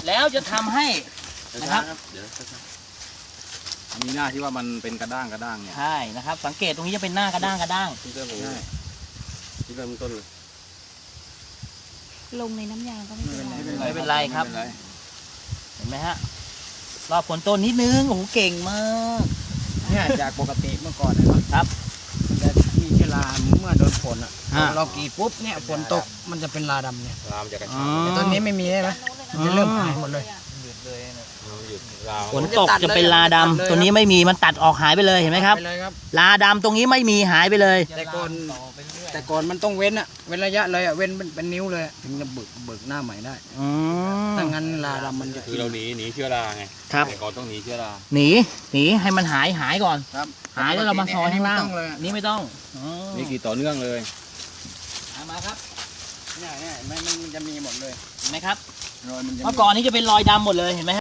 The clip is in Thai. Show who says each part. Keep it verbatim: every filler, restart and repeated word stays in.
Speaker 1: แล้วจะทำให้นะครับ
Speaker 2: เดี๋ยว
Speaker 3: มีหน้าที่ว่ามันเป็นกระด้างกระด้างเนี่ย
Speaker 1: ใช่นะครับ สังเกตตรงนี้จะเป็นหน้ากระด้างกระด้าง
Speaker 2: ที่เริ่มใช่ที่เริ่มต้นเลย
Speaker 4: ลงในน้ำยางก็ไม่เป็นไร
Speaker 1: ไม่เป็นไรครับ เห็นไหมฮะรอบผลต้นนิดนึงโอ้โหเก่งมาก
Speaker 5: เนี่ยจากปกติเมื่อก่อนนะครับมันจะมีเชื้อราเมื่อโดนฝนอ่ะ
Speaker 1: อ่า
Speaker 5: เรากรีดปุ๊บเนี่ยฝนตกมันจะเป็นราดำเนี่ย
Speaker 2: รามจากกระ
Speaker 1: อ๋
Speaker 2: ชา
Speaker 1: อ
Speaker 5: แต่ตอนนี้ไม่มีใช่ไหมมันจะเริ่มหายหมดเลย
Speaker 2: หยุดราว
Speaker 1: ฝนตกจะเป็นลาดำตัวนี้ไม่มีมันตัดออกหายไปเลยเห็นไหมครับ
Speaker 5: ไปเลยครับ
Speaker 1: ลาดำตรงนี้ไม่มีหายไปเลย
Speaker 5: แต่ก่อนแต่ก่อนมันต้องเว้นอ่ะเว้นระยะเลยอ่ะเว้นเป็นเป็นนิ้วเลยอะถึงจะเบิกเบิกหน้าใหม่ได้
Speaker 1: อืม
Speaker 5: ถ้างั้นราดำมันจะ
Speaker 2: คือเราหนีหนีเชื้อราไง
Speaker 1: ครับ
Speaker 2: แต่ก่อนต้องหนีเชื้อรา
Speaker 1: หนีหนีให้มันหายหายก่อน
Speaker 5: ครับ
Speaker 1: หายแล้วเรามาซอยข้างล่าง
Speaker 5: ไม่ต้องเลยอะ
Speaker 1: นี่ไม่ต้องอ๋อ
Speaker 3: นี่กี่ต่อเนื่องเลย
Speaker 1: เอามาครับ
Speaker 5: เนี่ยเนี่ยมันมันจะมีหมดเลย
Speaker 1: เห็นไหมครับ
Speaker 5: รอยมันจะมี
Speaker 1: เมื่อก่อนนี้จะเป็นรอยดำหมดเลยเห็นไหมฮะ